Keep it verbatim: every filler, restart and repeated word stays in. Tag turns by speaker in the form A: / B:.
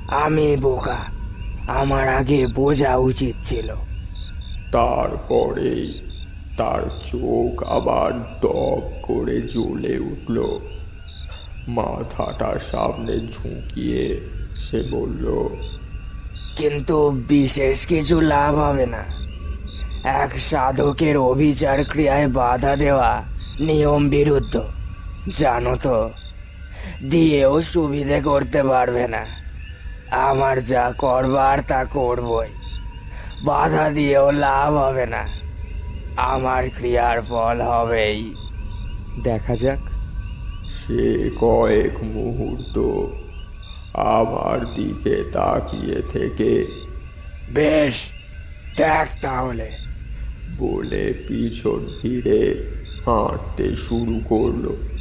A: আমি বোকা, আমার আগে বোঝা উচিত ছিল।
B: তারপরেই তার চোখ আবার দপ করে জ্বলে উঠল। মাথাটা সামনে ঝুঁকিয়ে সে বলল,
A: কিন্তু বিশেষ কিছু লাভ হবে না। এক সাধকের অভিচার ক্রিয়ায় বাধা দেওয়া নিয়ম বিরুদ্ধ, জানো তো। দিয়েও সুবিধে করতে পারবে না। আমার যা করবার তা করবই, বাধা দিয়েও লাভ হবে না। আমার ক্রিয়ার ফল হবেই।
C: দেখা যাক।
B: সে কয়েক মুহূর্ত আমার দিকে তাকিয়ে থেকে
A: বেশ, দেখ তাহলে।
B: বলে পিছন ফিরে হাঁটতে শুরু করলো।